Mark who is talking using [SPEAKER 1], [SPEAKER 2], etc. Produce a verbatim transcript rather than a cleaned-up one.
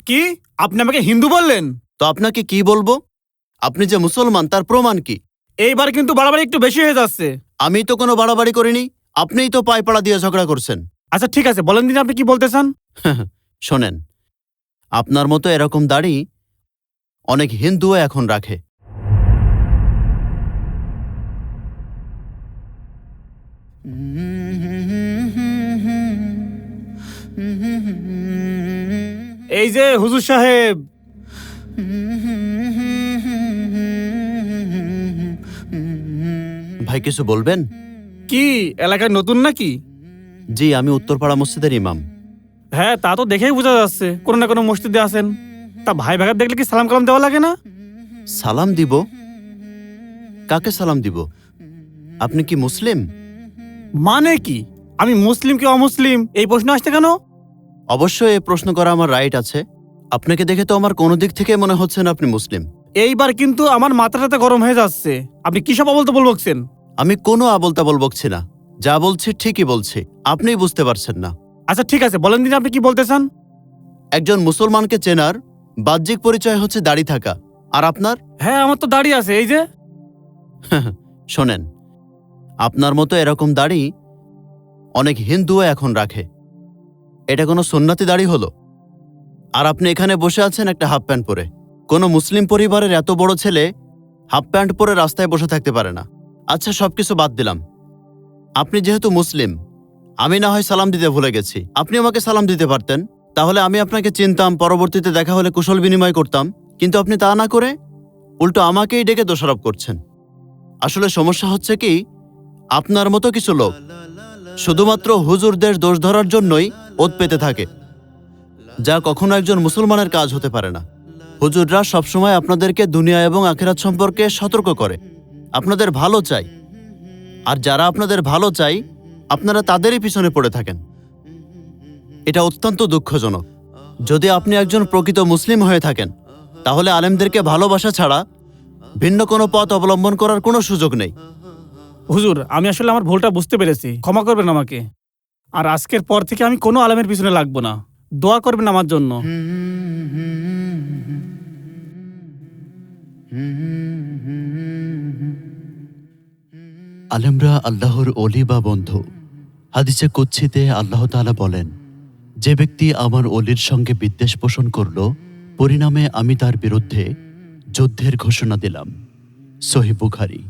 [SPEAKER 1] কি? আপনি আমাকে হিন্দু বললেন?
[SPEAKER 2] তো আপনাকে কি বলবো? আপনি যে মুসলমান তার প্রমাণ কি?
[SPEAKER 1] এইবার কিন্তু বাড়াবাড়ি একটু বেশি হয়ে যাচ্ছে।
[SPEAKER 2] আমি তো কোনো বাড়াবাড়ি করিনি। আপনিই তো পায়পাড়া দিয়ে ঝগড়া করছেন।
[SPEAKER 1] আচ্ছা ঠিক আছে, বলেন দিন আপনি কি বলতে চান।
[SPEAKER 2] শোনেন, আপনার মতো এরকম দাড়ি অনেক হিন্দুও এখন রাখে।
[SPEAKER 1] এই যে হুজুর সাহেব,
[SPEAKER 2] ভাই কিছু বলবেন?
[SPEAKER 1] কি এলাকায় নতুন নাকি?
[SPEAKER 2] জি, আমি উত্তরপাড়া মসজিদের ইমাম।
[SPEAKER 1] হ্যাঁ, তা তো দেখেই বোঝা যাচ্ছে কোনো না কোনো মসজিদে আছেন। তা ভাই ভাগাত দেখলে কি সালাম কালাম দেওয়া লাগে না?
[SPEAKER 2] সালাম দিব? কাকে সালাম দিব? আপনি কি মুসলিম?
[SPEAKER 1] মানে কি? আমি মুসলিম কি অমুসলিম এই প্রশ্ন আসছে কেন?
[SPEAKER 2] অবশ্যই এই প্রশ্ন করা আমার রাইট আছে। আপনাকে দেখে তো আমার কোনো দিক থেকে মনে হচ্ছে না আপনি মুসলিম।
[SPEAKER 1] এইবার কিন্তু আমার মাথাটাতে গরম হয়ে যাচ্ছে। আপনি কি সব বলতে বলবকছেন?
[SPEAKER 2] আমি কোনো আবোল তাবোল বকছি না, যা বলছি ঠিকই বলছি, আপনিই বুঝতে পারছেন না।
[SPEAKER 1] আচ্ছা ঠিক আছে, বলেন দিন আপনি কি বলতে চান।
[SPEAKER 2] একজন মুসলমানকে চেনার বাহ্যিক পরিচয় হচ্ছে দাড়ি থাকা, আর আপনার?
[SPEAKER 1] হ্যাঁ, আমার তো দাড়ি আছে, এই যে।
[SPEAKER 2] শোনেন, আপনার মতো এরকম দাড়ি অনেক হিন্দুও এখন রাখে। এটা কোনো সুন্নতি দাড়ি হলো? আর আপনি এখানে বসে আছেন একটা হাফ প্যান্ট পরে। কোনো মুসলিম পরিবারের এত বড় ছেলে হাফ প্যান্ট পরে রাস্তায় বসে থাকতে পারে না। আচ্ছা, সবকিছু বাদ দিলাম, আপনি যেহেতু মুসলিম, আমি না হয় সালাম দিতে ভুলে গেছি, আপনি আমাকে সালাম দিতে পারতেন, তাহলে আমি আপনাকে চিনতাম, পরবর্তীতে দেখা হলে কুশল বিনিময় করতাম। কিন্তু আপনি তা না করে উল্টো আমাকেই ডেকে দোষারোপ করছেন। আসলে সমস্যা হচ্ছে কি, আপনার মতো কিছু লোক শুধুমাত্র হুজুরদের দোষ ধরার জন্যই ওত পেতে থাকে, যা কখনো একজন মুসলমানের কাজ হতে পারে না। হুজুররা সবসময় আপনাদেরকে দুনিয়া এবং আখিরাত সম্পর্কে সতর্ক করে, আপনাদের ভালো চাই, আর যারা আপনাদের ভালো চাই আপনারা তাদেরই পিছনে পড়ে থাকেন। এটা অত্যন্ত দুঃখজনক। যদি আপনি একজন প্রকৃত মুসলিম হয়ে থাকেন, তাহলে আলেমদেরকে ভালোবাসা ছাড়া ভিন্ন কোনো পথ অবলম্বন করার কোনো সুযোগ নেই।
[SPEAKER 1] হুজুর, আমি আসলে আমার ভুলটা বুঝতে পেরেছি, ক্ষমা করবেন আমাকে। আর আজকের পর থেকে আমি কোনো আলেমের পিছনে লাগবো না। দোয়া করবেন আমার জন্য।
[SPEAKER 2] আলেমরা আল্লাহর অলি বা বন্ধু। হাদিসে কুদসিতে আল্লাহ তাআলা বলেন, যে ব্যক্তি আমার অলির সঙ্গে বিদ্বেষ পোষণ করল, পরিণামে আমি তার বিরুদ্ধে যুদ্ধের ঘোষণা দিলাম। সহিহ বুখারী।